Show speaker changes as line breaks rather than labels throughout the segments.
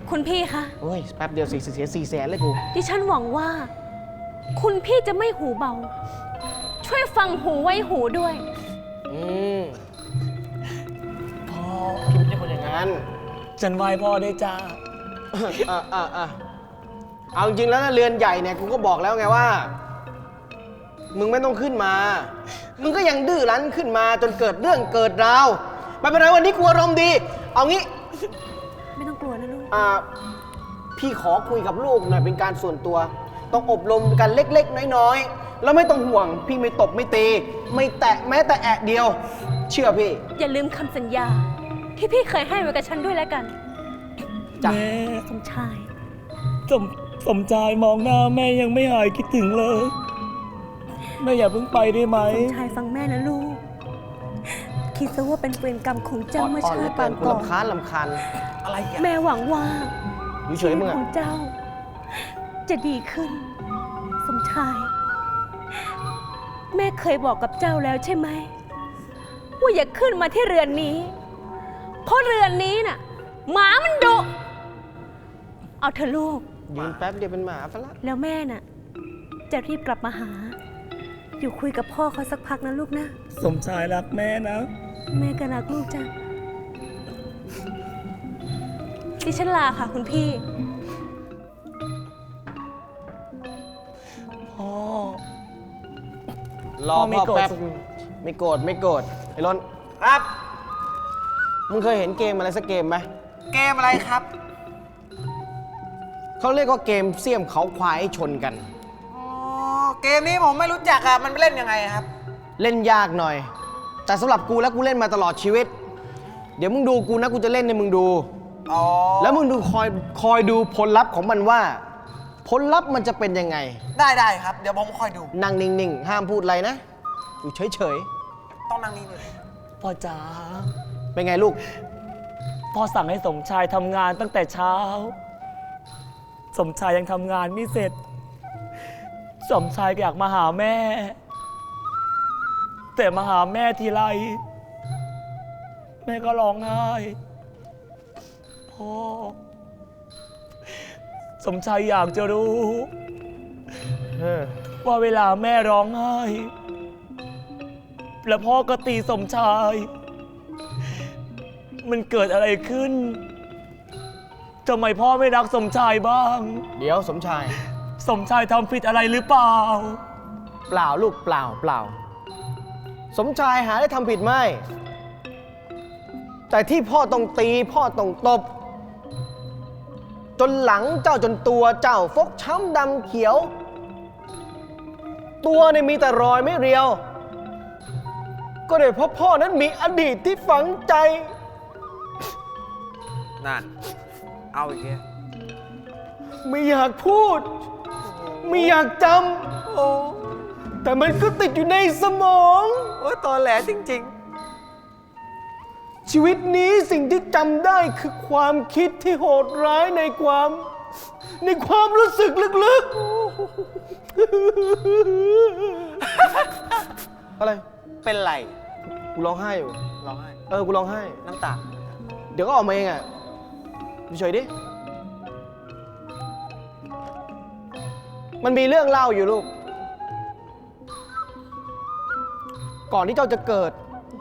คุณพี่คะ
โอ้ยแป๊บเดียวเสีย400,000เลยกู
ดิฉันหวังว่า คุณพี่จะไม่หูเบา ช่วยฟังหูไว้หูด้วย
พ่อพี่ไม่ใช่คนอย่างนั้น
ฉันไหว้พ่อได้จ้า
เอาจริงๆแล้วนะเรือนใหญ่เนี่ยกูก็บอกแล้วไงว่า มึงไม่ต้องขึ้นมา มึงก็ยังดื้อรั้นขึ้นมาจนเกิดเรื่องเกิดราวไม่เป็นไรวันนี้กูอารมณ์ดี เอางี้
ไม่ต้องกลัวนะลูก
พี่ขอคุยกับลูกหน่อยเป็นการส่วนตัว ต้องอบรมกันเล็กๆน้อยๆแล้วไม่ต้องห่วง พี่ไม่ตบไม่ตีไม่แตะแม้แต่แอะเดียว เชื่อพี่
อย่าลืมคำสัญญา ที่พี่เคยให้ไว้กับฉันด้วยแล้วกัน
จ้ะ
แม่
สมชาย
สมชายมองหน้าแม่ยังไม่หายคิดถึงเลยแม่อย่าเพิ่งไปได้ไหม
สมชายฟังแม่นะลูก คิดซะว่าเป็นเวรกรรมของเจ้าเมื่อชาติปางก่อน
ลำคาญอะไรอ่ะ
แม่หวังว่า
อยู่เฉยมึง
ข
อ่ะ
องเจ้า จะดีขึ้น สมชาย แม่เคยบอกกับเจ้าแล้วใช่ไหมว่าอย่าขึ้นมาที่เรือนนี้ เพราะเรือนนี้น่ะหมามันดุเอาเถอะลูก
ยืนแป๊บเดียวเป็นหมาซะละ
แล้วแม่น่ะ จะรีบกลับมาหา อยู่คุยกับพ่อเขาสักพักนะลูกนะ
สมชายรักแม่นะ
แม่ก็รักลูกจ้ะดิฉันลาค่ะคุณพี่
พ่อ
รอ
พ่อไม่
พ่อ
โกรธ
แป๊บไม่โกรธไอ้ล้น
ครับ
มึงเคยเห็นเกมอะไรสักเกมไหม
เกมอะไรครับ
เขาเรียกว่าเกมเสี่ยมเขาควายให้ชนกัน
อ๋อ เกมนี้ผมไม่รู้จักอะมันเล่นยังไงครับ
เล่นยากหน่อย แต่สำหรับกูแล้วกูเล่นมาตลอดชีวิต เดี๋ยวมึงดูกูนะกูจะเล่นให้มึงดู
อ๋อ
แล้วมึงดูคอยดูผลลัพธ์ของมันว่า ผลลัพธ์มันจะเป็นยังไง
ได้ครับ เดี๋ยวผมคอยดู
นั่งนิ่งๆ ห้ามพูดอะไรนะอยู่เฉย
ต้องนั่งนี่เลย
พ่อจ๋า
ๆ เป็นไงลูก
พ่อสั่งให้สมชายทำงานตั้งแต่เช้า สมชายยังทำงานไม่เสร็จ สมชายอยากมาหาแม่ แต่มาหาแม่ทีไรแม่ก็ร้องไห้พ่อสมชายอยากจะรู้ ว่าเวลาแม่ร้องไห้ แล้วพ่อก็ตีสมชาย มันเกิดอะไรขึ้นทำไมพ่อไม่รักสมชายบ้าง
เดี๋ยวสมชาย
สมชายทำผิดอะไรหรือเปล่า
เปล่าลูกเปล่า สมชายหาได้ทำผิดไหมแต่ที่พ่อต้องตีพ่อต้องตบ จนหลังเจ้าจนตัวเจ้าฟกช้ำดำเขียว ตัวเนี่ยมีแต่รอยไม่เรียว ก็เลยเพราะพ่อนั้นมีอดีตที่ฝังใจ
นั่น เอาอีกแล้ว
ไม่อยากพูด ไม่อยากจำแต่มันก็ติดอยู่ในสมอง
โอ้ยตอแหลจริง
ชีวิตนี้สิ่งที่จำได้คือความคิดที่โหดร้ายในความรู้สึกลึกๆ อะไร
ๆ เป็นไร
กูร้องไห้อยู่
ร้องไห้
กูร้องไห้
น้ำตา
เดี๋ยวก็ออกมาเองอ่ะเฉยๆดิ มันมีเรื่องเล่าอยู่ลูก ก่อนที่เจ้าจะเกิด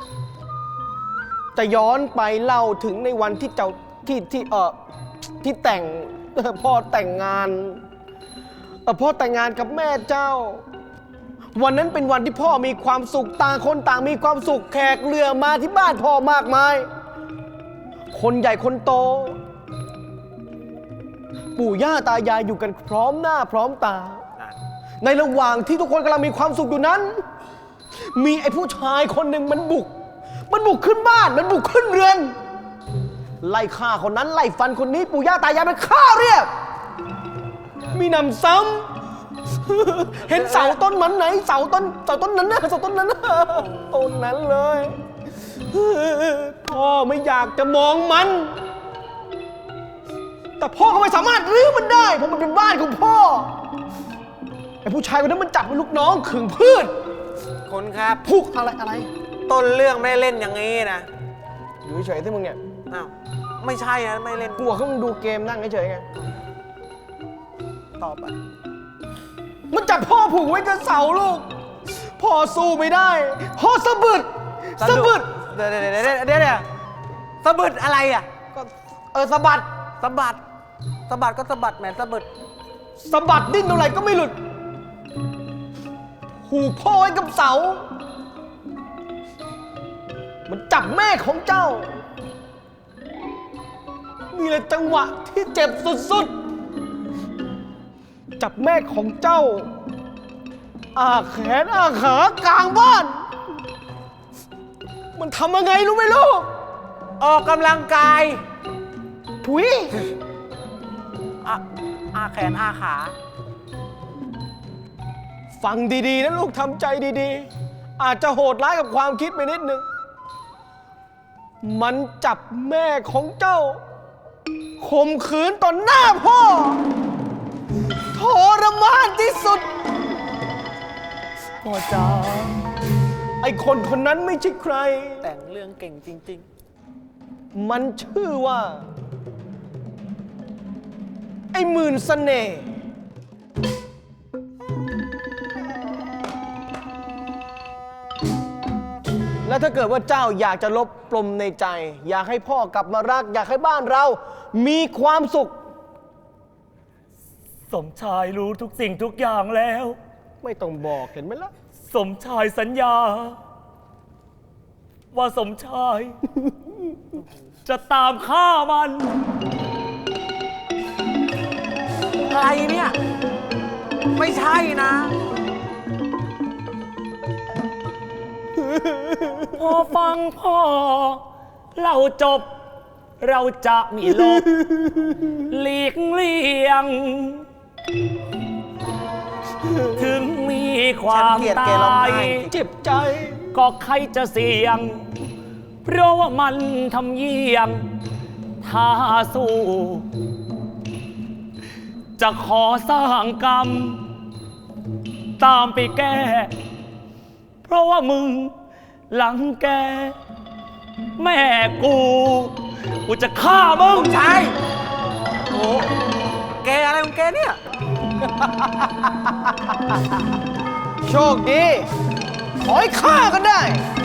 จะย้อนไปเล่าถึงในวันที่เจ้าที่แต่งพ่อแต่งงานพ่อแต่งงานกับแม่เจ้า วันนั้นเป็นวันที่พ่อมีความสุขต่างคนต่างมีความสุขแขกเรือมาที่บ้านพ่อมากมาย คนใหญ่คนโต ปู่ย่าตายายอยู่กันพร้อมหน้าพร้อมตา
นั่น
ในระหว่างที่ทุกคนกำลังมีความสุขอยู่นั้น มีไอ้ผู้ชายคนหนึ่งมันบุกขึ้นบ้านมันบุกขึ้นเรือน ไล่ฆ่าคนนั้นไล่ฟันคนนี้ปู่ย่าตายายมันฆ่าเรียบ มีหนำซ้ำ เห็นเสาต้นมันไหนเสาต้นนั้นนะเสาต้นนั้นนะต้นนั้นเลย พ่อไม่อยากจะมองมัน แต่พ่อก็ไม่สามารถรื้อมันได้เพราะมันเป็นบ้านของพ่อ ไอ้ผู้ชายคนนั้นมันจับเป็นลูกน้องขึงพืช
คุณครับ
พุกอะไร
ต้นเรื่องไม่ได้เล่นอย่างนี้นะ
อยู่เฉยๆที่มึงเนี่ย
อ้าวไม่ใช่นะไม่เล่น
กลัวเขามึงดูเกมนั่งเฉยๆไง
ตอบไป
มันจับพ่อผูกไว้กับเสาลูก พ่อสู้ไม่ได้ พ่อสะบึดสะบึด
เดี๋ยวสะบึดอะไรอ่ะ
ก็สะบัด
สะบัดสะบัดก็สะบัดแหมสะบึด
สะบัดดิ้นเท่าไหร่ก็ไม่หลุด ผูกพ่อไว้กับเสา มันจับแม่ของเจ้า นี่แหละจังหวะที่เจ็บสุดๆ จับแม่ของเจ้า อาแขนอาขากลางบ้าน มันทำยังไงรู้ไหมลูก
ออกกำลังกาย
ถุย
อาแขนอาขา
ฟังดีๆนะลูกทำใจดีๆ อาจจะโหดร้ายกับความคิดไปนิดนึง มันจับแม่ของเจ้าข่มขืนต่อหน้าพ่อทรมานที่สุด
พ่อจ๋า
ไอ้คนคนนั้นไม่ใช่ใคร
แต่งเรื่องเก่งจริง
มันชื่อว่า ไอ้หมื่นเสน่ห์และถ้าเกิดว่าเจ้าอยากจะลบปลมในใจ อยากให้พ่อกลับมารัก อยากให้บ้านเรามีความสุข
สมชายรู้ทุกสิ่งทุกอย่างแล้ว
ไม่ต้องบอกเห็นไหมล่ะ
สมชายสัญญา ว่าสมชาย จะตามฆ่ามัน
ๆ อะไรเนี่ย ไม่ใช่นะ
พอฟังพ่อเราจบ เราจะมีลบหลีกเลี่ยง ถึงมีความ
ฉันเกลียด
ต
แกร้อง
า
ไห้
ย
เจ็บใจ
ก็ใครจะเสี่ยง เพราะว่ามันทำเยี่ยงถ้าสู้ จะขอสร้างกรรม ตามไปแก้ เพราะว่ามึงหลังแก แม่กูจะฆ่ามึง
ใช่โอ้แกอะไรของแกเนี่ย
โชคดี ขอให้ฆ่ากันได้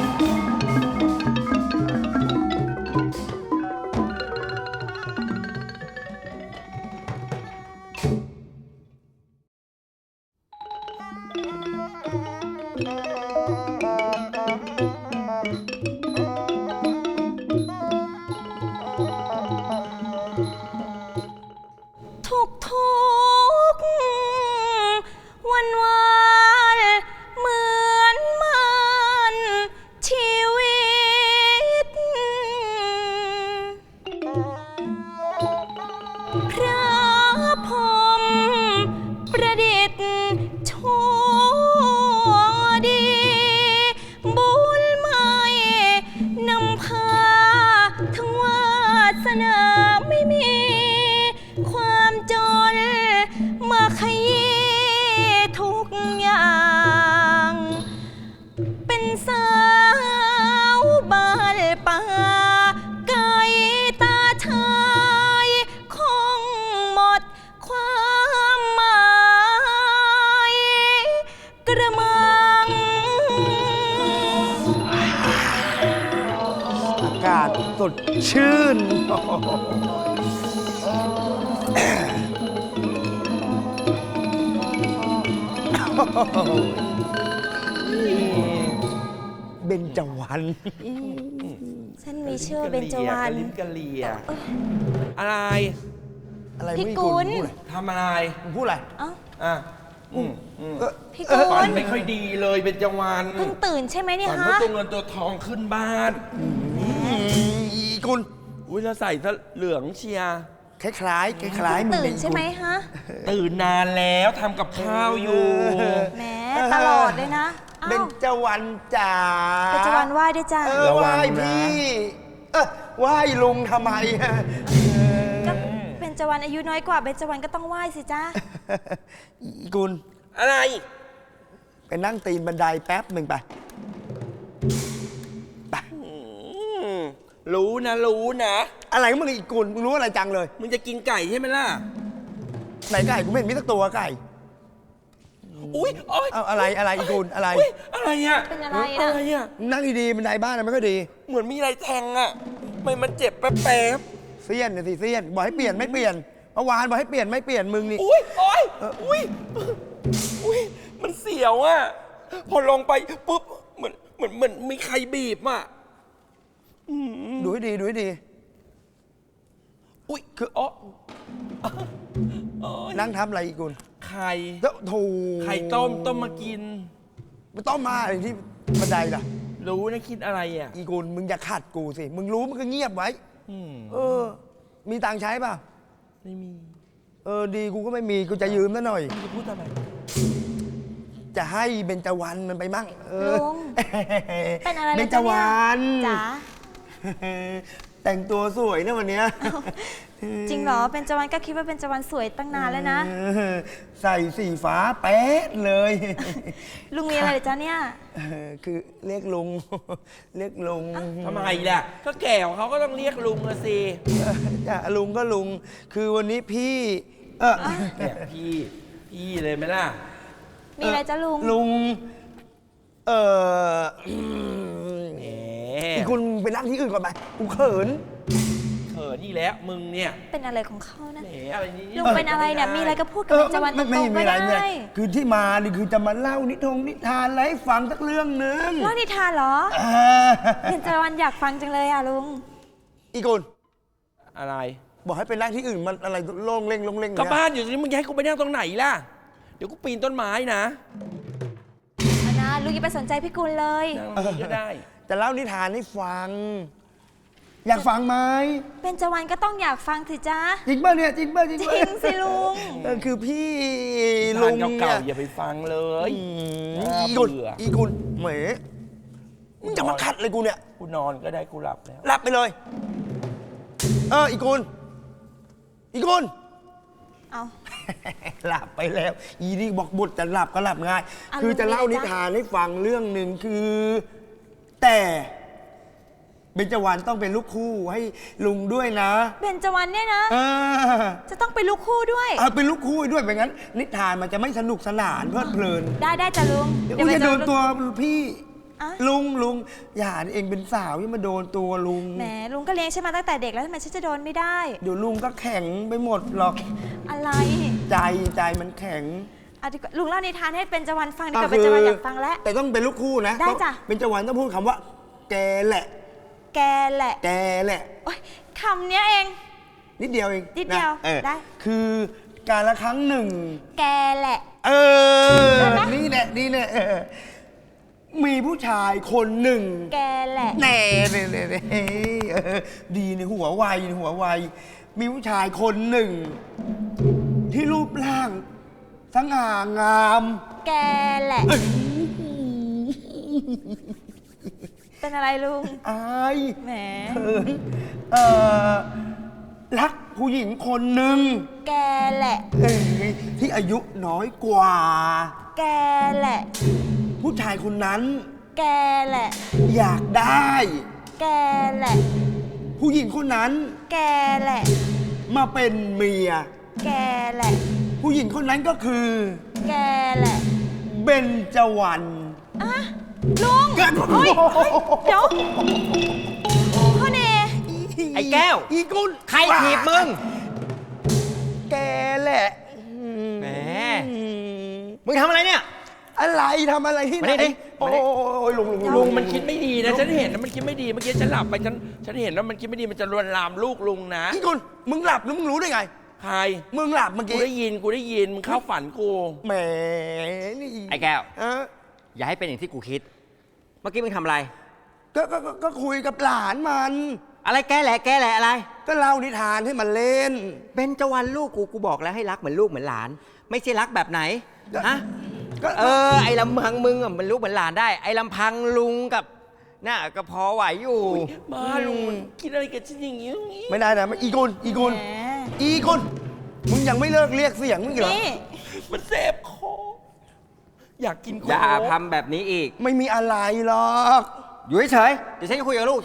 ทุกวันวันเหมือนมันชีวิต พระพรหมประดิษฐ์ชั่วดี บุญไม่นำพาทั้งวาสนาไม่มี ความจนมาขยี้ทุกอย่าง เป็นสาวบ้านป่าไก่ตาชายคงหมดความหมายกระมัง
อากาศสดชื่น เบญจวรรณ
ฉันมีชื่อเบญจวรรณ
ลิ้นกะเลียอะไร
อะไร
พี่
ไม่
กุล
พูดอะไร
ทำอะไร
มึงพูดอะไร
เอ้า
อ่ะ
พี่กุ
ฝัน
ล
ไม่ค่อยดีเลยเป็นจังหวัน
เพิ่งตื่นใช่ไหมเนี่ย
ฝัน
ฮะ
ว่าตัวเงินตัวทองขึ้นบ้าน
อีกุล
อุ้ยแล้วใส่ซะเหลืองเชียร์
คล้ายๆคล้ายๆมึง
ตื่
เป็น น
ใช่ไหมฮะ
ตื่นนานแล้วทำกับข้าวอยู่
แหมตลอดเลยนะอ้า
เบญ
ว
จวรรณจ๋า
เบญจวรรณไหว้ด้วยจ้า
ไหว้พี่ ไหว้ลุงทำไมอะ
ก็เบญจวรรณอายุน้อยกว่าเบญจวรรณก็ต้องไหว้สิจ้า
อีกุล
อะไร
ไปนั่งตีนบันไดแป๊บหนึ่งไป
อืมรู้นะ รู้นะ
อะไรของมึงอีกกุลมึงรู้อะไรจังเลย
มึงจะกินไก่ใช่ไหมล่ะ
ไหนไก่กูไม่เห็นมีสักตัวไก่
อุ้ยโอ๊ย
เอาอะไรอีกกุลอะไร
อุ๊ยอะไรอ่ะ
เป็นอะไร
อะไร
นะ
อ่ะ
นั่งดีๆบันไดบ้านน่ะไม่ค่อยดี
เหมือนมีอะไรแทงอ่ะทำไมมันเจ็บแป๊บ
เสี้ยนน่ะสิเสี้ยนบอกให้เปลี่ยนไม่เปลี่ยนเมื่อวานบอกให้เปลี่ยนไม่เปลี่ยนมึงนี่
ๆอุ้ยโอ๊ยอุ้ยอุ้ยมันเสียวอ่ะ พอลงไปปุ๊บ เหมือนมีใครบีบอ่ะ
ดูให้ดีดูให้ดี
อุ้ยคืออ๋อ
นั่งทำอะไรอีกกุล
ไข่
แล้วโถู
ไข่ต้มมากิน
ไม่ต้องมาอะไรที่บันไดล่ะ
รู้นะคิดอะไรอ่ะ
อีกุลมึงอย่าขัดกูสิมึงรู้มึงก็เงียบไว้ เออ มีตังค์ใช้ป่ะ
ไม่มี
เออดีกูก็ไม่มีกูจะยืมซะหน่อย
มึงจะพูดทำไม
จะให้เบญจวรรณมันไปมั่งเออ
ลุง เป็นอะไร
เบ
เลย
ญจวรรณ
จ๋า
แต่งตัวสวยนะวันเนี้ย
จริงเหรอ เป็นจวันก็คิดว่าเป็นจวันสวยตั้งนานแล้วนะ
เออใส่สีฟ้าแป๊ดเลย
ลุงมีอะไรเหรอจ๊ะเนี่ย
เออคือเรียกลุง เรียกลุง
ทำไมล่ะ ก็แก่ของเขาก็ต้องเรียกลุงละสิ
จ้ะลุงก็ลุง คือวันนี้พี่
เนี่ยพี่เลยไหมล่ะ
มีอะไรจ๊ะลุง
ลุง เออ
แหม
อีกคุณไปนั่งที่อื่นก่อนไปกูเขิน
เขินนี่แหล้วมึงเนี่ย
เป็นอะไรของเขานะ
แหมอะไรนี่
ลุงเป็นอะไรเนี่ย มีอะไรก็พูดกับเป็นจวันตรง
ไม่
ๆ
มี
ก็
อะไร
ได้
ไม่มีอะไรคือที่มานี่คือจะมาเล่านิทานอะไรให้ฟังสักเรื่องหนึง
เล่านิทานเหรอ
อ่า
เป็นจวันอยากฟังจังเลยอ่ะลุง
อีกุล
อะไร
บอกให้ไปนั่งที่อื่นมันอะไรโล่งเล่งเนี่ย
ก็บ้านอยู่ตรงนี้มึงจะให้กูไปนั่งตรงไหนล่ะ เดี๋ยวกูปีนต้นไม้นะ
อันนะลุงอย่าไปสนใจพี่กุลเลย
นั่งตรงนี้ก็ได้
จะเล่านิทานให้ฟัง อยากฟังไหม
เป็นจวันก็ต้องอยากฟังสิจ๊ะ
จริงป่ะเนี่ยจริงป่ะจริง
จ
ป่ะ
ริงสิลุง
คือพี่
ทา
ลุ
น
ง
เก่า
เนี่ย
ๆอย่าไปฟังเลย
อี
น่า
กุล
เบื่อ
อีกุลเหมมึงจะมาขัดเลยกูเนี่ย
กูนอนก็ได้กูหลับแล้ว
หลับไปเลย อีกุลอีกุล
เอา
หลับไปแล้ว อีนี่บอกบทจะหลับก็หลับง่าย
อ่ะ
คือจะเล่า
ลุงมี
นิ
อะไรจ๊ะ
ทานให้ฟังเรื่องหนึ่งคือ แต่เบญจวรรณต้องเป็นลูกคู่ให้ลุงด้วยนะ
เป็นจวันเนี่ยนะ
เออ
จะต้องเป็นลูกคู่ด้วย
เอาเป็นลูกคู่ให้ด้วยไม่งั้น นิทานมันจะไม่สนุกสนานเพลิดเพลิน
ได้จ้ะลุง
เดี๋ยว
เดี๋ยว
จะโดน
ไปเจอ
ตัวพี่
อ่ะ
ลุงอย่าเองเป็นสาวอย่ามาโดนตัวลุง
แหมลุงก็เลี้ยงฉันมาตั้งแต่เด็กแล้วทำไมฉันจะโดนไม่ได้
เดี๋ยวลุงก็แข็งไปหมดหรอก
อะไร
ใจมันแข็ง
อ่ะดีกว่าลุงเล่านิทานให้เป็นจวันฟังดีกว่าเป็นจวันอยากฟังแล้ว
แต่ต้องเป็นลูกคู่นะ
ได้จ้ะ
เป็นจวันต้องพูดคำว่า แกแหละ
แกแหละ
แกแหละ
โอ๊ยคำเนี้ยเอง
นิดเดียวเอง
นิดเดียว
ะออ
ได้
คือการละครั้งหนึ่ง
แกแหละ
เอ
ได้ไหม
นี่แหละมีผู้ชายคนหนึ่ง
แกแหละ
แน่ดีในหัวไวมีผู้ชายคนหนึ่ง ที่รูปร่างสง่างาม
แกแหละ เป็นอะไรลุง
อาย
แหม
เขินรักผู้หญิงคนหนึ่ง
แกแหละ
ที่อายุน้อยกว่า
แกแหละ
ผู้ชายคนนั้น
แกแหละ
อยากได้
แกแหละ
ผู้หญิงคนนั้น
แกแหละ
มาเป็นเมีย
แกแหละ
ผู้หญิงคนนั้นก็คือ
แกแหละ
เบญจวรรณ
อ่ะลุง
กัน
เฮ้ยเดี๋ยวพ่อเน
ไอ้แก้ว
อีกุล
ใครถีบมึง
แกแหละ
แหม มึงทำอะไรเนี่ย
อะไรทำอะไรที่ไหน
มานี่ดิ
โอ้ยลุง
ลุงมันคิดไม่ดีนะ ฉันเห็นนะมันคิดไม่ดี เมื่อกี้ฉันหลับไปฉันเห็นว่ามันคิดไม่ดีมันจะลวนลามลูกลุงนะ
อีกุลมึงหลับแล้วมึงรู้ได้ไง
ใคร
มึงหลับเมื่อ
กู
กี้
ได้ยินมึงเข้าฝันกู
แหมนี่
ไอ้แก้ว
เออ
อย่าให้เป็นอย่างที่กูคิด เมื่อกี้มึงทำอะไร
ก็คุยกับหลานมัน
อะไรแกแหละอะไร
ก็เล่านิทานให้มันเล่น
เบญจวรรณลูกกูบอกแล้วให้รักเหมือนลูกเหมือนหลาน ไม่ใช่รักแบบไหน ฮะ
ก็
ไอ้ลำพังมึงอะมันลูกเหมือนหลานได้ ไอ้ลำพังลุงกับน่ะก็พอไหวอยู่
มาลุงมันคิดอะไรกับฉันอย่างนี้
ไม่ได้นะอีกุล
แหม
มึงยังไม่เลิกเรียกเสียงมึงอีกเหรอ
นี่
มันเสพคออยากกินโค้ก
อย่าทำแบบนี้อีก
ไม่มีอะไรหรอก
อยู่เฉยๆเดี๋ยวฉันจะคุยกับลูกฉัน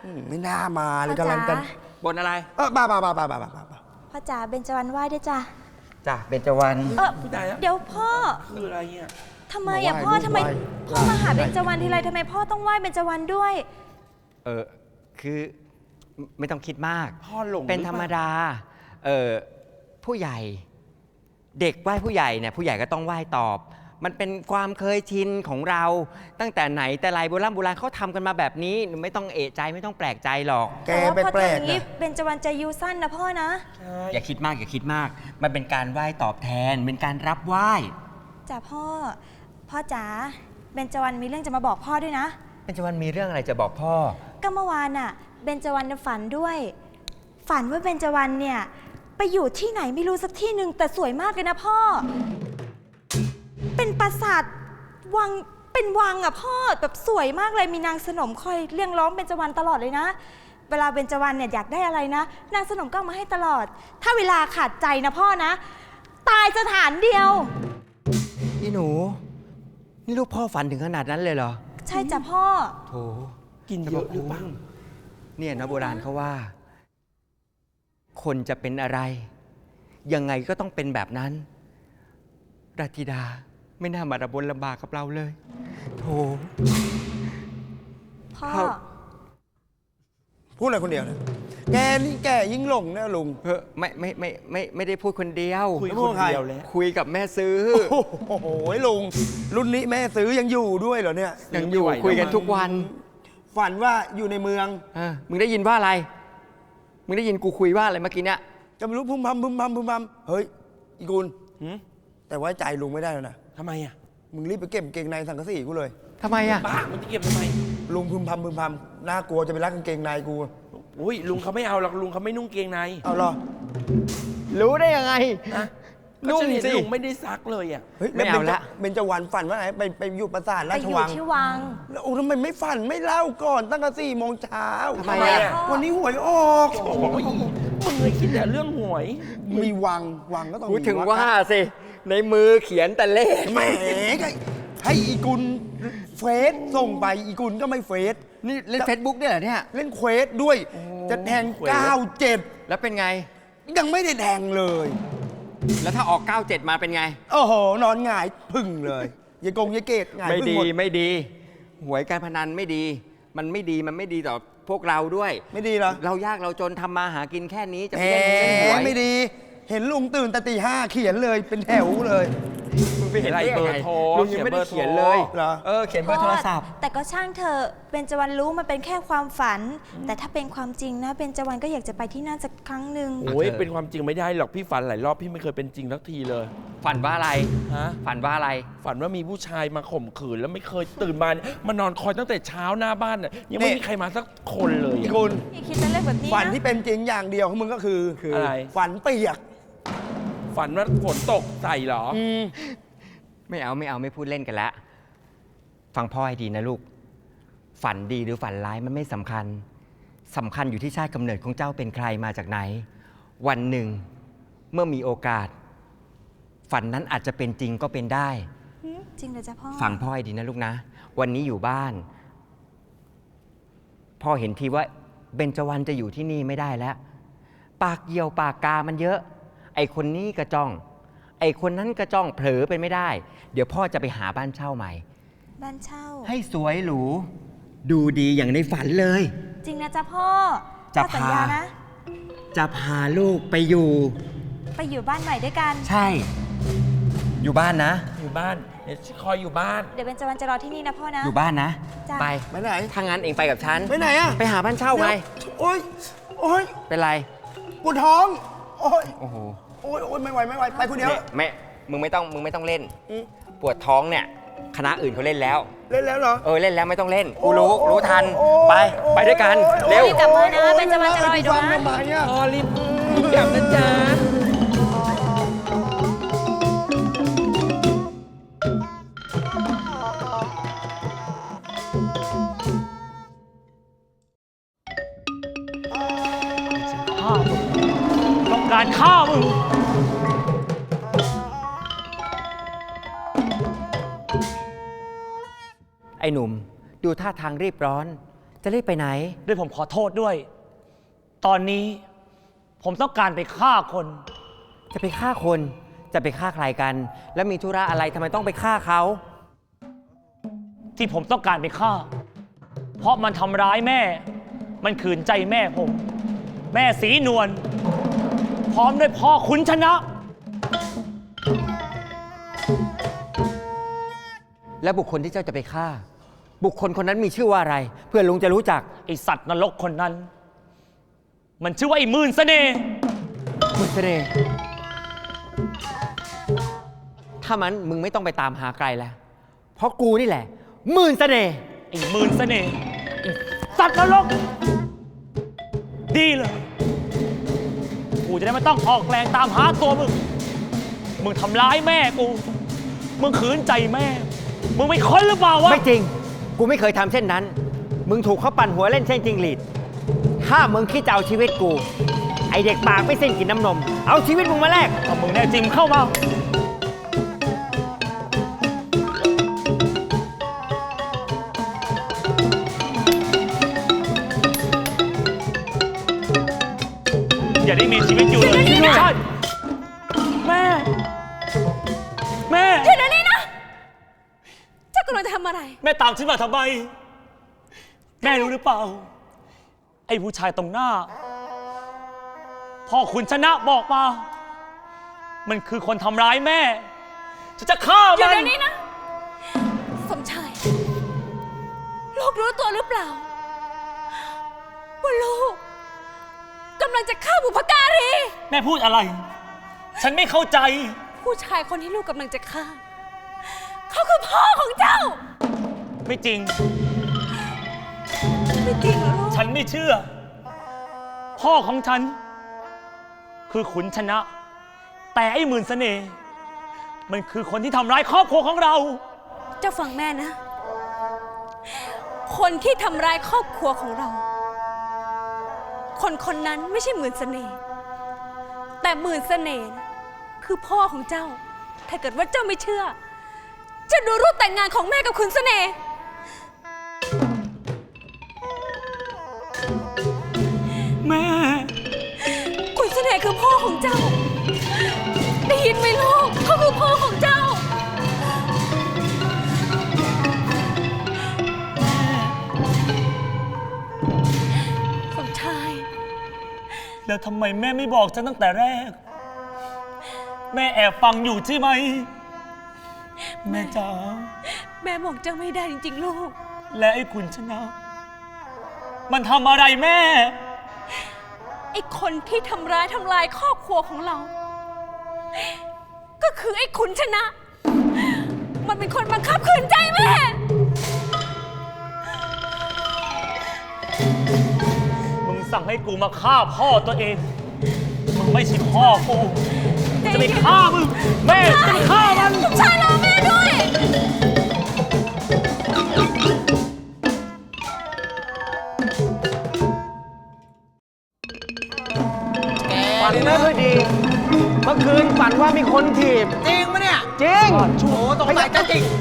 ไม่น่ามาเลย
พ่อจ๋า
กำลังกัน
บนอะไร
บ้า
พ่อจ๋าเบญจวรรณไหว้ด้วยจ้ะ
จ้ะเบญจวรรณ
ผู้ใดอะ
เดี๋ยวพ่อ
คืออะไรเนี่ย
ทำไมอ่ะพ่อทำไมพ่อมาหาเบญจวรรณทีไรทำไมพ่อต้องไหว้เบญจวรรณด้วย
คือไม่ต้องคิดมาก
พ่อหลง
เป็นธรรมดา ผู้ใหญ่ เด็กไหว้ผู้ใหญ่เนี่ยผู้ใหญ่ก็ต้องไหว้ตอบ มันเป็นความเคยชินของเราตั้งแต่ไหนแต่ไรโบราณเขาทำกันมาแบบนี้ไม่ต้องเอะใจไม่ต้องแปลกใจหรอก
แก
แต่ว่า
ไป
พ่อ
แปล
ทำอก ย่างนี้
นะ
เบญจวรรณจะอายุสั้นนะพ่อนะ
อย่าคิดมากอย่าคิดมาก มันเป็นการไหว้ตอบแทน เป็นการรับไหว้
จ้ะพ่อจ๋าเบญจวรรณมีเรื่องจะมาบอกพ่อด้วยนะ
เบญจวรรณมีเรื่องอะไรจะบอกพ่อ
ก็เมื่อวานน่ะเบญจวรรณฝันด้วย ฝันว่าเบญจวรรณเนี่ยไปอยู่ที่ไหนไม่รู้สักที่หนึ่งแต่สวยมากเลยนะพ่อ เป็นปราสาทวังเป็นวังอ่ะพ่อแบบสวยมากเลยมีนางสนมคอยเรียกร้องเบญจวรรณตลอดเลยนะ เวลาเบญจวรรณเนี่ยอยากได้อะไรนะนางสนมก็เอามาให้ตลอด ถ้าเวลาขาดใจนะพ่อนะ ตายสถานเดียว
นี่หนู นี่ลูกพ่อฝันถึงขนาดนั้นเลยเหรอ
ใช่จ้ะพ่อ
โถ
กินเยอะหรือเปล่า
เนี่ยนะโบราณเขาว่า คนจะเป็นอะไร ยังไงก็ต้องเป็นแบบนั้นราธิดาไม่น่ามาระบนลำบากกับเราเลยโถ
พ่อ
ครับ
พูดอะไรคนเดียวนะแกนี่แกยิ่งหลงนะลุง
ไม่ได้พูดคนเดียว
คุย
แล้วพู
ค
ด
น
ใคร
เดียวแล้ว
คุยกับแม่ซื้อ
โอ้โหลุง รุ่นนี้แม่ซื้อยังอยู่ด้วยเหรอเนี่ย
ยังอยู่คุยกันทุกวัน
ฝันว่าอยู่ในเมือง
มึงได้ยินว่าอะไร มึงได้ยินกูคุยว่าอะไรเมื่อกี้เนี่ย
ก็ไม่รู้พุ่มพำเฮ้ยอีกุล
หืม
แต่ไว้ใจลุงไม่ได้แล้วนะ
ทำไมอ่ะ
มึงรีบไปเก็บกางเกงในสังกะสีกูเลย
ทำไมอ่ะ
บ้ามันจะเก็บทำไม
ลุงพึมพำน่ากลัวจะไปรักกางเกงในกู
อุ้ยลุงเขาไม่เอาหรอกลุงเขาไม่นุ่งเกงใน
เอาเหรอ
รู้ได้ยังไง
นะก็
นุ่ง
ฉันเห็น
สิ
ลุงไม่ได้ซักเลยอ่ะ
เฮ้ย
ไม่เอาละ
เบญจวรรณฝันว่าไหนไปอยู่ปราสาท
ไป
รา
อ
ช
ยู่
วัง
ที่วัง
แล้วโอ้ทำไมไม่ฝันไม่เล่าก่อนตั้งแต่4 โมงเช้า
ทำไมอ่ะ
วันนี้หวยออก
โอ้ยมึงเลยคิดแต่เรื่องหวย
มีวังก็ต้อง
พูด
มี
ถึงว่าสิ ในมือเขียนแต่เลข
แหมก็ให้อีกุลเฟซส่งไปอีกุลก็ไม่เฟซ
นี่เล่นเฟซบุ๊กด้วยเหรอเนี่ย
เล่นเควสด้วย จะแทง
เควส
97
แล้วเป็นไง
ยังไม่ได้แทงเลย
แล้วถ้าออก 97 มาเป็นไง
โอ้โห นอนหงายพึ่งเลยยายเกตหงาย
ไม่
พึ่ง
ดี
หมด
ไม่ดี หวยการพนันไม่ดี มันไม่ดีต่อพวกเราด้วย
ไม่ดีเหรอ
เรายากเราจนทำมาหากินแค่นี้จะ
แห
ไปเล่นหวย
ไม่ดี เห็นลุงตื่นแต่ตี 5เขียนเลยเป็นแถวเลย
มึงไปเห็นได้ยัง
เบอ
ไง
ร์โทร
ลุงยังไม่ได้
เขี
เขี
ย
ย
น
น
เบ
เล
อร์
ย
โทร
เหรอ
เขียนเบอร์โทรศัพท์
แต่ก็ช่างเธอะเบญจวรรณรู้มันเป็นแค่ความฝัน แต่ถ้าเป็นความจริงนะเบญจวรรณก็อยากจะไปที่นั่นสักครั้งหนึ่ง
โอ้ยเป็นความจริงไม่ได้หรอกพี่ฝันหลายรอบพี่ไม่เคยเป็นจริงสักทีเลย
ฝันว่าอะไร
ฮะ
ฝันว่าอะไร
ฝันว่ามีผู้ชายมาข่มขืนแล้วไม่เคยตื่นมามานอนคอยตั้งแต่เช้าหน้าบ้านน่ะยังไม่
นี่
มีใครมาสักคนเลย
อี
อะ
กุล
อย่าคิดแต่เรื่องแบบนี้
ฝัน
นะ
ที่เป็นจริงอย่างเดียวของมึงก็คือ
อะไร
ฝันเปียก
ฝันว่าฝนตกใส่เหรอ
ไม่เอาไม่พูดเล่นกันละฟังพ่อให้ดีนะลูก ฝันดีหรือฝันร้ายมันไม่สำคัญสำคัญอยู่ที่ชาติกำเนิดของเจ้าเป็นใครมาจากไหน วันหนึ่งเมื่อมีโอกาส ฝันนั้นอาจจะเป็นจริงก็เป็นได้
จริงเหรอจ๊ะพ่อ
ฟังพ่อให้ดีนะลูกนะ วันนี้อยู่บ้าน พ่อเห็นทีว่าเบญจวรรณจะอยู่ที่นี่ไม่ได้แล้ว ปากเหี่ยวปากกามันเยอะ ไอคนนี้กระจ้อง ไอคนนั้นกระจ้องเผลอเป็นไม่ได้ เดี๋ยวพ่อจะไปหาบ้านเช่าใหม่
บ้านเช่า
ให้สวยหรู ดูดีอย่างในฝันเลย
จริงนะจ๊ะพ่อ
จะ
พ่อสัญญา
พา
นะ
จะพาลูกไปอยู่
ไปอยู่บ้านใหม่ด้วยกัน
ใช่ อยู่บ้านนะ
อยู่บ้านเดี๋ยวคอยอยู่บ้าน
เดี๋ยวเบญจวรรณจะรอที่นี่นะพ่อนะ
อยู่บ้านนะ
จ้ะ
ไป
ไปไหน
ถ้างั้นเองไปกับฉัน
ไปไหนอะ
ไปหาบ้านเช่าไง
โอ๊ยโอ๊ย
เป็นไร
ปวดท้อง โอ๊ย
โอ้โห
โอ๊ยไม่ไหวไปคนเดียว
นี่มึงไม่ต้องเล่น
อืม
ปวดท้องเนี่ย คณะอื่นเขาเล่นแล้ว
เล่นแล้วเหรอ
เล่นแล้วไม่ต้องเล่น กู
โอ้
รู้ทัน
โอ้
ไปด้วยกัน
โอ้
เร็ว
รีบกลับมานะเบญจวรรณจะรออยู่
ฟัง
นะ
ทำไมอะ
พอรีบกลับนะจ๊ะ
ฆ่ามึงต้องการฆ่ามึง ไอ้หนุ่ม ดูท่าทางรีบร้อน
จะรีบไปไหน
ด้วยผมขอโทษด้วย ตอนนี้ผมต้องการไปฆ่าคน
จะไปฆ่าคน จะไปฆ่าใครกัน แล้วมีธุระอะไรทำไมต้องไปฆ่าเขา
ที่ผมต้องการไปฆ่า เพราะมันทำร้ายแม่ มันขืนใจแม่ผม แม่สีนวลพร้อมด้วยพ่อขุนชนะ
และบุคคลที่เจ้าจะไปฆ่า บุคคลคนนั้นมีชื่อว่าอะไร เพื่อลุงจะรู้จัก
ไอสัตว์นรกคนนั้น มันชื่อว่าไอ้หมื่นเสน่ห์
มุสเน่ห์ถ้ามันมึงไม่ต้องไปตามหาไกลแล้ว เพราะกูนี่แหละหมื่นเสน่ห์
ไอ้หมื่นเสน่ห์ไอ้สัตว์นรก ดีเลย กูจะได้ไม่ต้องออกแรงตามหาตัวมึง มึงทำร้ายแม่กู มึงขืนใจแม่ มึงไม่ค้นหรือเปล่าวะ
ไม่จริง กูไม่เคยทำเช่นนั้น มึงถูกเขาปั่นหัวเล่นเช่นจริงหลีด ถ้ามึงคิดจะเอาชีวิตกู ไอเด็กปากไม่สิ้นกินน้ำนม เอาชีวิตมึงมาแลก
ถ้ามึงแน่จริงเข้ามา อย่าได้มีชีวิตอยู่เลยใช่แม่ แม่
หยุดเดี๋ยวนี้นะ เจ้ากำลังจะทำอะไร
แม่ตามฉันมาทำไม แม่รู้หรือเปล่า ไอ้ผู้ชายตรงหน้า พ่อขุนชนะบอกมา มันคือคนทำร้ายแม่ ฉันจะฆ่า
หยุด
มัน
เดี๋ยวนี้นะ สมชาย ลูกรู้ตัวหรือเปล่า ว่าลูกกำลังจะฆ่าบุพการี
แม่พูดอะไร ฉันไม่เข้าใจ
ผู้ชายคนที่ลูกกำลังจะฆ่า เขาคือพ่อของเจ้า
ไม่จริง
ไม่จริงเหรอลูก
ฉันไม่เชื่อ พ่อของฉัน คือขุนชนะ แต่ไอ้หมื่นเสน่ห์มันคือคนที่ทำร้ายครอบครัวของเรา
เจ้าฟังแม่นะ คนที่ทำร้ายครอบครัวของเรา คนคนนั้นไม่ใช่หมื่นเสน่ห์แต่หมื่นเสน่ห์น่ะคือพ่อของเจ้า ถ้าเกิดว่าเจ้าไม่เชื่อ จะดูรูปแต่งงานของแม่กับขุนเสน่ห์
แม่
ขุนเสน่ห์คือพ่อของเจ้า ได้ยินไหมลูก เขาคือพ่อของเจ้า สมชาย
แล้วทำไมแม่ไม่บอกฉันตั้งแต่แรก แม่แอบฟังอยู่ใช่ไหม แม่จ๋า
แม่บอกเจ้าไม่ได้จริงๆลูก
และไอ้ขุนชนะ มันทำอะไรแม่
ไอ้คนที่ทำลายครอบครัวของเรา ก็คือไอ้ขุนชนะ มันเป็นคนบังคับขืนใจแม่
มึงสั่งให้กูมาฆ่าพ่อตัวเอง มึงไม่ใช่พ่อกูกูจะไปฆ่ามึง แม่จะไปฆ่ามัน
ใช่รอแม่ด้วย
ฝันไม่ค่อยดี เมื่อคืนฝันว่ามีคนถีบ
จริงปะเนี่ย
จริง
โอ้ตรงไหนจะจริง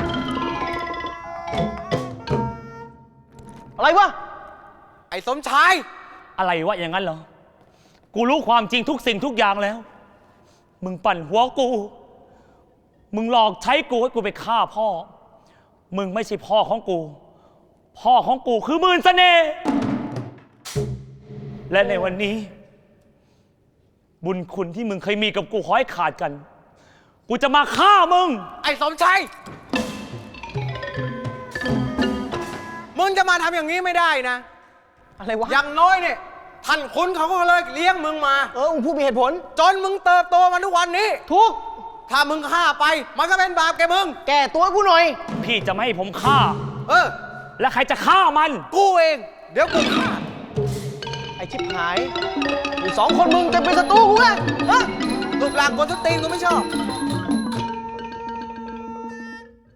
อะไรวะ
ไอ้สมชาย
อะไรวะอย่างนั้นเหรอ กูรู้ความจริงทุกสิ่งทุกอย่างแล้ว มึงปั่นหัวกู มึงหลอกใช้กูให้กูไปฆ่าพ่อ มึงไม่ใช่พ่อของกู พ่อของกูคือหมื่นเสน่ห์และในวันนี้ บุญคุณที่มึงเคยมีกับกูขอให้ขาดกัน กูจะมาฆ่ามึง
ไอ้สมชาย มึงจะมาทำอย่างนี้ไม่ได้นะ
อะไรวะ
อย่างน้อยเนี่ยท่านคุณเขาก็เลยเลี้ยงมึงมา
มึงพูดมีเหตุผล
จนมึงเติบโตมาทุกวันนี้
ทุก
ถ้ามึงฆ่าไป มันก็เป็นบาปแกมึง
แก่ตัวกูหน่อย
พี่จะไม่ให้ผมฆ่า
เออ
และใครจะฆ่ามัน
กูเอง เดี๋ยวกูฆ่า
ไอ้ชิบหายอยู่สองคนมึงจะเป็นศัตรูกูไงฮะ
รูปร่างคนสตรีนกูไม่ชอบ